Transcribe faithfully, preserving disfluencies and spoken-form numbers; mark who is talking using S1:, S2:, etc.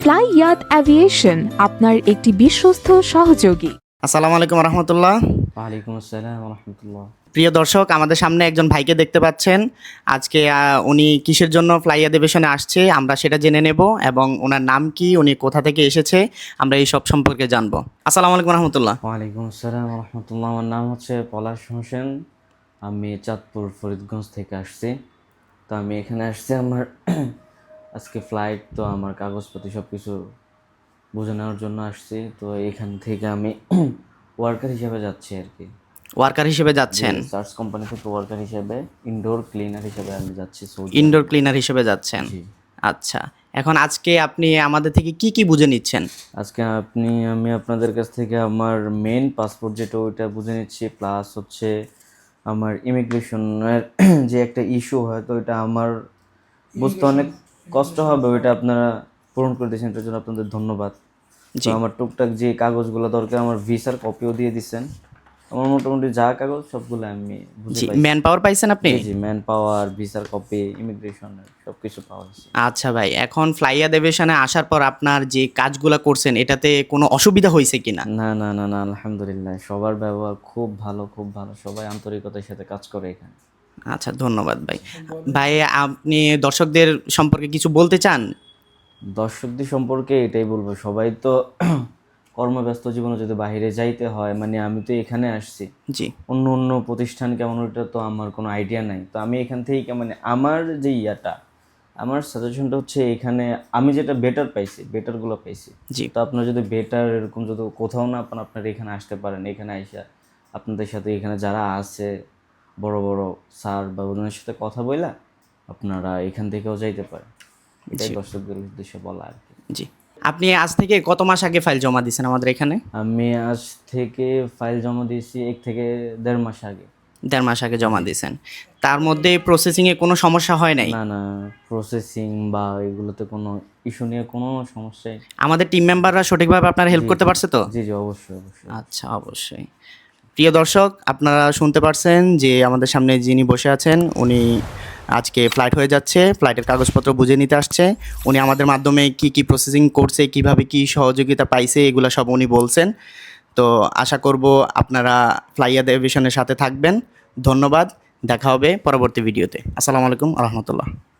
S1: Fly ইয়াত aviation আপনার একটি বিশ্বস্ত সহযোগী।
S2: আসসালামু আলাইকুম রহমতুল্লাহ।
S3: ওয়ালাইকুম আসসালাম রহমতুল্লাহ।
S2: প্রিয় দর্শক, আমাদের সামনে একজন ভাইকে দেখতে পাচ্ছেন। আজকে আহ, উনি কিসের জন্য ফ্লাই অ্যাভিয়েশনে আসছে আমরা সেটা জেনে নেব, এবং ওনার নাম কি, উনি কোথা থেকে এসেছে, আমরা এই সব সম্পর্কে জানবো। আসসালামু আলাইকুম রহমতুল্লাহ।
S3: ওয়ালাইকুম আসসালাম রহমতুল্লাহ। আমার নাম হচ্ছে পলাশ হোসেন, আমি চাঁদপুর ফরিদগঞ্জ থেকে আসছি। তো আমি এখানে আসছি আমার আজকে ফ্লাইট, তো আমার কাগজপত্র সব কিছু বুঝে নেওয়ার জন্য আসছি। তো এখান থেকে আমি ওয়ার্কার হিসেবে যাচ্ছি আর কি।
S2: ওয়ার্কার হিসেবে যাচ্ছেন?
S3: সার্চ কোম্পানি থেকে ওয়ার্কার হিসেবে, ইনডোর ক্লিনার হিসেবে আমি যাচ্ছি সৌদি।
S2: ইনডোর ক্লিনার হিসেবে যাচ্ছেন?
S3: জি।
S2: আচ্ছা, এখন আজকে আপনি আমাদের থেকে কি কি বুঝে নিচ্ছেন?
S3: আজকে আপনি আমি আপনাদের কাছ থেকে আমার মেন পাসপোর্ট যেটা ওইটা বুঝে নিচ্ছি, প্লাস হচ্ছে আমার ইমিগ্রেশনের যে একটা ইস্যু হয়, তো ওইটা আমার বুঝতে অনেক কষ্ট হবে, ওইটা আপনারা পূরণ করে দিয়েছেন, এটার জন্য আপনাদের ধন্যবাদ। তো আমার টুকটাক যে কাগজগুলো দরকার, আমার ভিসার কপিও দিয়ে দিচ্ছেন। আমার মোটামুটি যা কাগজ সবগুলো আমি বুঝে পাইছি।
S2: ম্যান পাওয়ার পাইছেন আপনি?
S3: জি, ম্যান পাওয়ার, ভিসার কপি, ইমিগ্রেশনের সব কিছু পাওয়া গেছে।
S2: আচ্ছা ভাই, এখন ফ্লাই অ্যাভিয়েশনে আসার পর আপনার যে কাজগুলো করছেন এটাতে কোনো অসুবিধা হয়েছে কিনা?
S3: না না না না আলহামদুলিল্লাহ, সবার ব্যবহার খুব ভালো, খুব ভালো, সবাই আন্তরিকতার সাথে কাজ করে এখানে।
S2: আচ্ছা, ধন্যবাদ ভাই। ভাই, আপনি দর্শকদের সম্পর্কে কিছু বলতে চান?
S3: দর্শকদের সম্পর্কে এটাই বলবো, সবাই তো কর্মব্যস্ত জীবনে যদি বাইরে যাইতে হয়, মানে আমি তো এখানে আসছি,
S2: জি,
S3: অন্য অন্য প্রতিষ্ঠান কেমন ওটা তো আমার কোনো আইডিয়া নাই। তো আমি এখান থেকে মানে আমার যে ইয়াটা, আমার সাজেশনটা হচ্ছে এখানে আমি যেটা বেটার পাইছি, বেটারগুলো পাইছি।
S2: জি।
S3: তো আপনার যদি বেটার এরকম যদি কোথাও না পান, আপনারা এখানে আসতে পারেন। এখানে আইসা আপনাদের সাথে এখানে যারা আছে বড় বড় স্যার বা ওদের সাথে কথা বইলা আপনারা এখান থেকেও যাইতে পারেন। এটাই দর্শকদের উদ্দেশ্যে বলা আর কি।
S2: জি। আপনি আজ থেকে কত মাস আগে ফাইল জমা দিয়েছেন আমাদের এখানে?
S3: আমি আজ থেকে ফাইল জমা দিয়েছি এক থেকে দেড় মাস আগে।
S2: দেড় মাস আগে জমা দিয়েছেন? তার মধ্যে প্রসেসিংয়ে কোনো সমস্যা হয় নাই?
S3: না না, প্রসেসিং বা এগুলোতে কোনো ইস্যু নিয়ে কোনো সমস্যাই।
S2: আমাদের টিম মেম্বাররা সঠিকভাবে আপনার হেল্প করতে পারছে তো?
S3: জি জি, অবশ্যই অবশ্যই।
S2: আচ্ছা, অবশ্যই। প্রিয় দর্শক, আপনারা শুনতে পারছেন যে আমাদের সামনে যিনি বসে আছেন উনি আজকে ফ্লাইট হয়ে যাচ্ছে, ফ্লাইটের কাগজপত্র বুঝে নিতে আসছে। উনি আমাদের মাধ্যমে কি কি প্রসেসিং করছে, কিভাবে কি সহযোগিতা পাইছে, এগুলো সব উনি বলছেন। তো আশা করব আপনারা ফ্লাই অ্যাভিয়েশনের সাথে থাকবেন। ধন্যবাদ, দেখা হবে পরবর্তী ভিডিওতে। আসসালামু আলাইকুম রহমতুল্লাহ।